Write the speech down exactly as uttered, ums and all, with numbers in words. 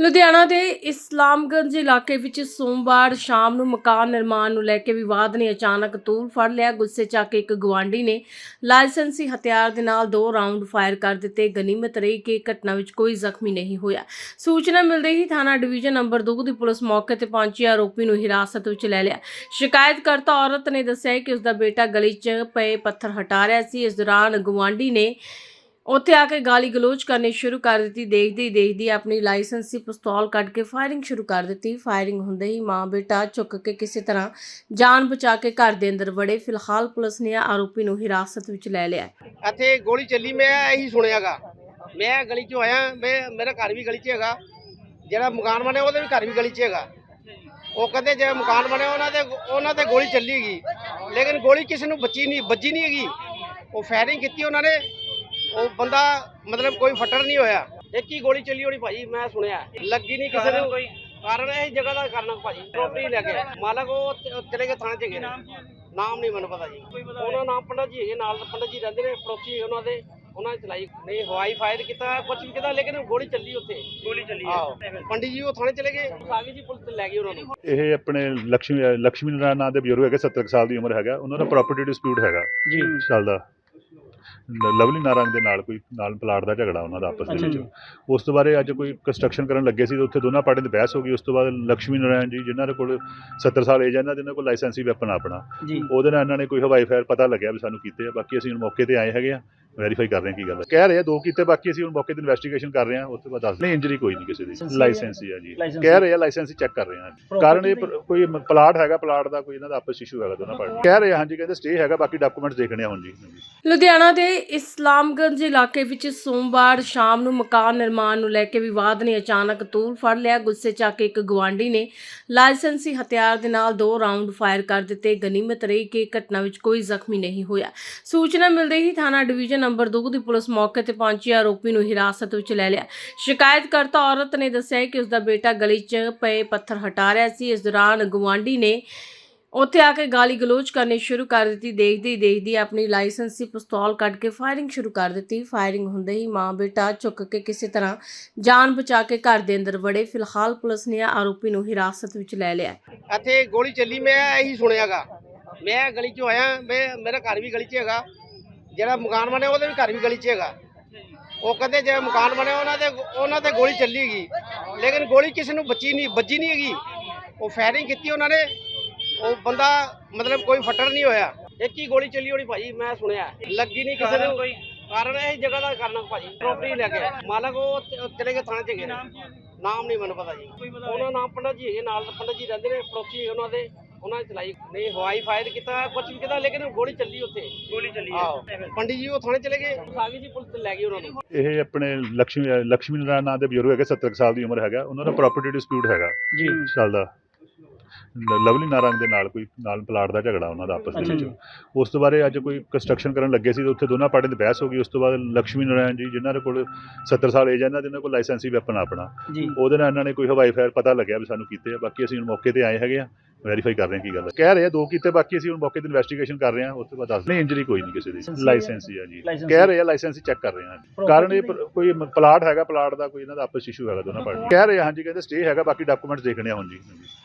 ਲੁਧਿਆਣਾ ਦੇ ਇਸਲਾਮਗੰਜ ਇਲਾਕੇ ਵਿੱਚ ਸੋਮਵਾਰ ਸ਼ਾਮ ਨੂੰ ਮਕਾਨ ਨਿਰਮਾਣ ਨੂੰ ਲੈ ਕੇ ਵਿਵਾਦ ਨੇ ਅਚਾਨਕ ਤੂਲ ਫੜ ਲਿਆ। ਗੁੱਸੇ 'ਚ ਆ ਕੇ ਇੱਕ ਗੁਆਂਢੀ ਨੇ ਲਾਇਸੈਂਸੀ ਹਥਿਆਰ ਦੇ ਨਾਲ ਦੋ ਰਾਉਂਡ ਫਾਇਰ ਕਰ ਦਿੱਤੇ। ਗਨੀਮਤ ਰਹੀ ਕਿ ਘਟਨਾ ਵਿੱਚ ਕੋਈ ਜ਼ਖਮੀ ਨਹੀਂ ਹੋਇਆ। ਸੂਚਨਾ ਮਿਲਦੇ ਹੀ ਥਾਣਾ ਡਿਵੀਜ਼ਨ ਨੰਬਰ ਦੋ ਦੀ ਪੁਲਿਸ ਮੌਕੇ ਤੇ ਪਹੁੰਚੀ, ਆਰੋਪੀ ਨੂੰ ਹਿਰਾਸਤ ਵਿੱਚ ਲੈ ਲਿਆ। ਸ਼ਿਕਾਇਤਕਰਤਾ ਔਰਤ ਨੇ ਦੱਸਿਆ ਕਿ ਉਸ ਦਾ ਬੇਟਾ ਗਲੀ 'ਚ ਪਏ ਪੱਥਰ ਹਟਾ ਰਿਹਾ ਸੀ। ਇਸ ਦੌਰਾਨ ਗੁਆਂਢੀ ਨੇ ਉੱਥੇ ਆ ਕੇ ਗਾਲੀ ਗਲੋਚ ਕਰਨੀ ਸ਼ੁਰੂ ਕਰ ਦਿੱਤੀ। ਦੇਖਦੀ ਦੇਖਦੀ ਆਪਣੀ ਲਾਇਸੈਂਸੀ ਪਿਸਤੌਲ ਕੱਢ ਕੇ ਫਾਇਰਿੰਗ ਸ਼ੁਰੂ ਕਰ ਦਿੱਤੀ। ਫਾਇਰਿੰਗ ਹੁੰਦੇ ਹੀ ਮਾਂ ਬੇਟਾ ਝੁੱਕ ਕੇ ਕਿਸੇ ਤਰ੍ਹਾਂ ਜਾਨ ਬਚਾ ਕੇ ਘਰ ਦੇ ਅੰਦਰ ਵੜੇ। ਫਿਲਹਾਲ ਪੁਲਿਸ ਨੇ ਆਰੋਪੀ ਨੂੰ ਹਿਰਾਸਤ ਵਿੱਚ ਲੈ ਲਿਆ। ਇੱਥੇ ਗੋਲੀ ਚੱਲੀ, ਮੈਂ ਇਹੀ ਸੁਣਿਆਗਾ। ਮੈਂ ਗਲੀ 'ਚੋਂ ਆਇਆ, ਮੈਂ ਮੇਰਾ ਘਰ ਵੀ ਗਲੀ 'ਚ ਹੈਗਾ, ਜਿਹੜਾ ਮਕਾਨ ਬਣਿਆ ਉਹਦੇ ਵੀ ਘਰ ਵੀ ਗਲੀ 'ਚ ਹੈਗਾ। ਉਹ ਕਹਿੰਦੇ ਜਿਹੜਾ ਮਕਾਨ ਬਣਿਆ ਉਹਨਾਂ ਦੇ ਉਹਨਾਂ ਤੇ ਗੋਲੀ ਚੱਲੀ ਗਈ, ਲੇਕਿਨ ਗੋਲੀ ਕਿਸੇ ਨੂੰ ਬੱਚੀ ਨਹੀਂ ਵੱਜੀ ਨਹੀਂ ਹੈਗੀ। ਉਹ ਫਾਇਰਿੰਗ ਕੀਤੀ ਉਹਨਾਂ ਨੇ, ਉਹ ਬੰਦਾ ਮਤਲਬ ਕੋਈ ਫੱਟੜ ਨਹੀਂ ਹੋਇਆ। ਇੱਕ ਹੀ ਗੋਲੀ ਚੱਲੀ ਹੋਣੀ ਭਾਜੀ, ਮੈਂ ਸੁਣਿਆ ਲੱਗੀ ਨਹੀਂ ਕਿਸੇ ਨੂੰ। ਕੋਈ ਕਾਰਨ ਇਹ ਜਗ੍ਹਾ ਦਾ ਕਰਨਾ ਭਾਜੀ, ਪ੍ਰੋਪਰਟੀ ਲੈ ਕੇ ਮਾਲਕ ਉਹ ਚਲੇ ਗਏ ਥਾਣੇ 'ਚ ਗਏ। ਨਾਮ ਨਹੀਂ ਮੈਨੂੰ ਪਤਾ ਜੀ, ਉਹਨਾਂ ਨਾਮ ਪੰਡਤ ਜੀ ਹੈਗੇ, ਨਾਲ ਪੰਡਤ ਜੀ ਰਹਿੰਦੇ ਨੇ, ਪੜੋਸੀ ਉਹਨਾਂ ਦੇ, ਉਹਨਾਂ ਨੇ ਚਲਾਈ। ਨਹੀਂ ਹਵਾਈ ਫਾਇਰ ਕੀਤਾ, ਕੁਝ ਵੀ ਕੀਤਾ, ਲੇਕਿਨ ਗੋਲੀ ਚੱਲੀ ਉੱਥੇ ਗੋਲੀ ਚੱਲੀ। ਆਹੋ ਪੰਡਿਤ ਜੀ ਉਹ ਥਾਣੇ ਚਲੇ ਗਏ, ਆ ਗਏ ਜੀ ਪੁਲਿਸ ਲੈ ਗਈ ਉਹਨਾਂ ਨੂੰ। ਇਹ ਆਪਣੇ ਲక్ష్ਮੀ ਲక్ష్ਮੀ ਨਾਰਾਇਣ ਨਾਂ ਦੇ ਬਜ਼ੁਰਗ ਹੈਗੇ, ਸੱਤਰ ਸਾਲ ਦੀ ਉਮਰ ਹੈਗਾ। ਉਹਨਾਂ ਦਾ ਪ੍ਰਾਪਰਟੀ ਡਿਸਪਿਊਟ ਹੈਗਾ ਜੀ ਚੱਲਦਾ। ਲਵਲੀ ਨਾਰੰਗ ਦੇ ਨਾਲ ਕੋਈ ਨਾਲ ਪਲਾਟ ਦਾ ਝਗੜਾ ਉਹਨਾਂ ਦਾ ਆਪਸ ਦੇ ਵਿੱਚ। ਉਸ ਤੋਂ ਬਾਅਦ ਅੱਜ ਕੋਈ ਕੰਸਟਰਕਸ਼ਨ ਕਰਨ ਲੱਗੇ ਸੀ, ਉੱਥੇ ਦੋਨਾਂ ਪਾਰਟੀਆਂ ਦੀ ਬਹਿਸ ਹੋ ਗਈ। ਉਸ ਤੋਂ ਬਾਅਦ ਲక్ష్ਮੀ ਨਾਰਾਇਣ ਜੀ, ਜਿਨ੍ਹਾਂ ਦੇ ਕੋਲ ਸੱਤਰ ਸਾਲ ਏਜ ਹੈ, ਇਹਨਾਂ ਦੇ ਇਹਨਾਂ ਕੋਲ ਲਾਇਸੈਂਸੀ ਵੈਪਨ ਆਪਣਾ, ਉਹਦੇ ਨਾਲ ਇਹਨਾਂ ਨੇ ਕੋਈ ਹਵਾਈ ਫਾਇਰ ਪਤਾ ਲੱਗਿਆ ਵੀ ਸਾਨੂੰ ਕੀਤੇ ਆ। ਬਾਕੀ ਅਸੀਂ ਹੁਣ ਮੌਕੇ ਤੇ ਆਏ ਹੈਗੇ ਆ, ਵੈਰੀਫਾਈ ਕਰ ਰਹੇ ਹਾਂ ਕੀ ਗੱਲ ਹੈ। ਕਹਿ ਰਹੇ ਆ ਦੋ ਕੀਤੇ, ਬਾਕੀ ਅਸੀਂ ਹੁਣ ਮੌਕੇ ਤੇ ਇਨਵੈਸਟੀਗੇਸ਼ਨ ਕਰ ਰਹੇ ਹਾਂ। ਉਸ ਤੋਂ ਬਾਅਦ ਦੱਸ ਨਹੀਂ, ਇੰਜਰੀ ਕੋਈ ਨਹੀਂ ਕਿਸੇ ਦੀ, ਲਾਇਸੈਂਸੀ ਆ ਜੀ। ਕਹਿ ਰਹੇ ਆ ਲਾਇਸੈਂਸੀ ਚੈੱਕ ਕਰ ਰਹੇ ਹਾਂ। ਕਾਰਨ ਇਹ ਕੋਈ ਪਲਾਟ ਹੈਗਾ, ਪਲਾਟ ਦਾ ਕੋਈ ਇਹਨਾਂ ਦਾ ਆਪਸ ਇਸ਼ੂ ਹੈਗਾ ਦੋਨਾਂ ਪਾਰਟੀ। ਕਹਿ ਰਹੇ ਆ ਹਾਂਜੀ, ਕਹਿੰਦੇ ਸਟੇ ਹੈਗਾ, ਬਾਕੀ ਡਾਕੂਮੈਂਟਸ ਦੇਖਣੇ ਆ ਹੁਣ ਜੀ। ਲੁਧਿਆਣਾ ਦੇ ਇਸਲਾਮਗੰਜ ਇਲਾਕੇ ਵਿੱਚ ਸੋਮਵਾਰ ਸ਼ਾਮ ਨੂੰ ਮਕਾਨ ਨਿਰਮਾਣ ਨੂੰ ਲੈ ਕੇ ਵਿਵਾਦ ਨੇ ਅਚਾਨਕ ਤੂਲ ਫੜ ਲਿਆ। ਗੁੱਸੇ 'ਚ ਆ ਕੇ ਇੱਕ ਗੁਆਂਢੀ ਨੇ ਲਾਇਸੈਂਸੀ ਹਥਿਆਰ ਦੇ ਨਾਲ ਦੋ ਰਾਉਂਡ ਫਾਇਰ ਕਰ ਦਿੱਤੇ। ਗਨੀਮਤ ਰਹੀ ਕਿ ਘਟਨਾ ਵਿੱਚ ਕੋਈ ਜ਼ਖਮੀ ਨਹੀਂ ਹੋਇਆ। ਸੂਚਨਾ ਮਿਲਦੇ ਹੀ ਥਾਣਾ ਡਿਵੀਜ਼ਨ ਨੰਬਰ ਦੋ ਦੀ ਪੁਲਿਸ ਮੌਕੇ ਤੇ ਪਹੁੰਚੀ, ਆਰੋਪੀ ਨੂੰ ਹਿਰਾਸਤ ਵਿੱਚ ਲੈ ਲਿਆ। ਸ਼ਿਕਾਇਤਕਰਤਾ ਔਰਤ ਨੇ ਦੱਸਿਆ ਕਿ ਉਸ ਦਾ ਬੇਟਾ ਗਲੀ 'ਚ ਪਏ ਪੱਥਰ ਹਟਾ ਰਿਹਾ ਸੀ। ਇਸ ਦੌਰਾਨ ਗੁਆਂਢੀ ਨੇ ਉੱਥੇ ਆ ਕੇ ਗਾਲੀ ਗਲੋਚ ਕਰਨੀ ਸ਼ੁਰੂ ਕਰ ਦਿੱਤੀ। ਦੇਖਦੀ ਦੇਖਦੀ ਆਪਣੀ ਲਾਇਸੈਂਸੀ ਪਿਸਤੌਲ ਕੱਢ ਕੇ ਫਾਇਰਿੰਗ ਸ਼ੁਰੂ ਕਰ ਦਿੱਤੀ। ਫਾਇਰਿੰਗ ਹੁੰਦੇ ਹੀ ਮਾਂ ਬੇਟਾ ਝੁੱਕ ਕੇ ਕਿਸੇ ਤਰ੍ਹਾਂ ਜਾਨ ਬਚਾ ਕੇ ਘਰ ਦੇ ਅੰਦਰ ਵੜੇ। ਫਿਲਹਾਲ ਪੁਲਿਸ ਨੇ ਆਰੋਪੀ ਨੂੰ ਹਿਰਾਸਤ ਵਿੱਚ ਲੈ ਲਿਆ। ਇੱਥੇ ਗੋਲੀ ਚੱਲੀ, ਮੈਂ ਇਹੀ ਸੁਣਿਆਗਾ। ਮੈਂ ਗਲੀ 'ਚੋਂ ਆਇਆ, ਮੈਂ ਮੇਰਾ ਘਰ ਵੀ ਗਲੀ 'ਚ ਹੈਗਾ, ਜਿਹੜਾ ਮਕਾਨ ਬਣਿਆ ਉਹਦੇ ਵੀ ਘਰ ਵੀ ਗਲੀ 'ਚ ਹੈਗਾ। ਉਹ ਕਹਿੰਦੇ ਜਿਹੜਾ ਮਕਾਨ ਬਣਿਆ ਉਹਨਾਂ ਦੇ ਉਹਨਾਂ ਤੇ ਗੋਲੀ ਚੱਲੀ ਗਈ, ਲੇਕਿਨ ਗੋਲੀ ਕਿਸੇ ਨੂੰ ਬੱਚੀ ਨਹੀਂ ਵੱਜੀ ਨਹੀਂ ਹੈਗੀ। ਉਹ ਫਾਇਰਿੰਗ ਕੀਤੀ ਉਹਨਾਂ ਨੇ, ਉਹ ਬੰਦਾ ਮਤਲਬ ਕੋਈ ਫੱਟੜ ਨਹੀਂ ਹੋਇਆ। ਇੱਕ ਹੀ ਗੋਲੀ ਚੱਲੀ ਹੋਣੀ ਭਾਜੀ, ਮੈਂ ਸੁਣਿਆ ਲੱਗੀ ਨਹੀਂ ਕਿਸੇ ਨੂੰ। ਕੋਈ ਕਾਰਨ ਇਹ ਜਗ੍ਹਾ ਦਾ ਕਰਨਾ ਭਾਜੀ, ਪ੍ਰੋਪਰਟੀ ਲੈ ਕੇ ਮਾਲਕ ਉਹ ਚਲੇ ਗਏ ਥਾਣੇ 'ਚ ਗਏ। ਨਾਮ ਨਹੀਂ ਮੈਨੂੰ ਪਤਾ ਜੀ, ਉਹਨਾਂ ਨਾਮ ਪੰਡਤ ਜੀ ਹੈਗੇ, ਨਾਲ ਪੰਡਤ ਜੀ ਰਹਿੰਦੇ ਨੇ, ਪੜੋਸੀ ਉਹਨਾਂ ਦੇ, ਉਹਨਾਂ ਨੇ ਚਲਾਈ। ਨਹੀਂ ਹਵਾਈ ਫਾਇਰ ਕੀਤਾ, ਕੁਝ ਵੀ ਕੀਤਾ, ਲੇਕਿਨ ਗੋਲੀ ਚੱਲੀ ਉੱਥੇ ਗੋਲੀ ਚੱਲੀ। ਆਹੋ ਪੰਡਿਤ ਜੀ ਉਹ ਥਾਣੇ ਚਲੇ ਗਏ, ਆ ਗਏ ਜੀ ਪੁਲਿਸ ਲੈ ਗਈ ਉਹਨਾਂ ਨੂੰ। ਇਹ ਆਪਣੇ ਲక్ష్ਮੀ ਲక్ష్ਮੀ ਨਾਰਾਇਣ ਨਾਂ ਦੇ ਬਜ਼ੁਰਗ ਹੈਗੇ, ਸੱਤਰ ਸਾਲ ਦੀ ਉਮਰ ਹੈਗਾ। ਉਹਨਾਂ ਦਾ ਪ੍ਰਾਪਰਟੀ ਡਿਸਪਿਊਟ ਹੈਗਾ ਜੀ ਚੱਲਦਾ। ਲਵਲੀ ਨਾਰੰਗ ਦੇ ਨਾਲ ਕੋਈ ਨਾਲ ਪਲਾਟ ਦਾ ਝਗੜਾ ਉਹਨਾਂ ਦਾ ਆਪਸ ਦੇ ਵਿੱਚ। ਉਸ ਤੋਂ ਬਾਅਦ ਅੱਜ ਕੋਈ ਕੰਸਟਰਕਸ਼ਨ ਕਰਨ ਲੱਗੇ ਸੀ, ਉੱਥੇ ਦੋਨਾਂ ਪਾਰਟੀਆਂ ਦੀ ਬਹਿਸ ਹੋ ਗਈ। ਉਸ ਤੋਂ ਬਾਅਦ ਲక్ష్ਮੀ ਨਾਰਾਇਣ ਜੀ, ਜਿਨ੍ਹਾਂ ਦੇ ਕੋਲ ਸੱਤਰ ਸਾਲ ਏਜ ਹੈ, ਇਹਨਾਂ ਦੇ ਇਹਨਾਂ ਕੋਲ ਲਾਇਸੈਂਸੀ ਵੈਪਨ ਆਪਣਾ, ਉਹਦੇ ਨਾਲ ਇਹਨਾਂ ਨੇ ਕੋਈ ਹਵਾਈ ਫਾਇਰ ਪਤਾ ਲੱਗਿਆ ਵੀ ਸਾਨੂੰ ਕੀਤੇ ਆ। ਬਾਕੀ ਅਸੀਂ ਹੁਣ ਮੌਕੇ ਤੇ ਆਏ ਹੈਗੇ ਆ, ਵੈਰੀਫਾਈ ਕਰ ਰਹੇ ਹਾਂ ਕੀ ਗੱਲ ਹੈ। ਕਹਿ ਰਹੇ ਆ ਦੋ ਕੀਤੇ, ਬਾਕੀ ਅਸੀਂ ਹੁਣ ਮੌਕੇ ਤੇ ਇਨਵੈਸਟੀਗੇਸ਼ਨ ਕਰ ਰਹੇ ਹਾਂ। ਉਸ ਤੋਂ ਬਾਅਦ ਦੱਸ ਨਹੀਂ, ਇੰਜਰੀ ਕੋਈ ਨਹੀਂ ਕਿਸੇ ਦੀ, ਲਾਇਸੈਂਸੀ ਆ ਜੀ। ਕਹਿ ਰਹੇ ਆ ਲਾਇਸੈਂਸੀ ਚੈੱਕ ਕਰ ਰਹੇ ਹਾਂ। ਕਾਰਨ ਇਹ ਕੋਈ ਪਲਾਟ ਹੈਗਾ, ਪਲਾਟ ਦਾ ਕੋਈ ਇਹਨਾਂ ਦਾ ਆਪਸ ਇਸ਼ੂ ਹੈਗਾ ਦੋਨਾਂ ਪਾਰਟੀ। ਕਹਿ ਰਹੇ ਆ ਹਾਂਜੀ, ਕਹਿੰਦੇ ਸਟੇ ਹੈਗਾ, ਬਾਕੀ ਡਾਕੂਮੈਂਟਸ ਦੇਖਣੇ ਆ ਹੁਣ ਜੀ।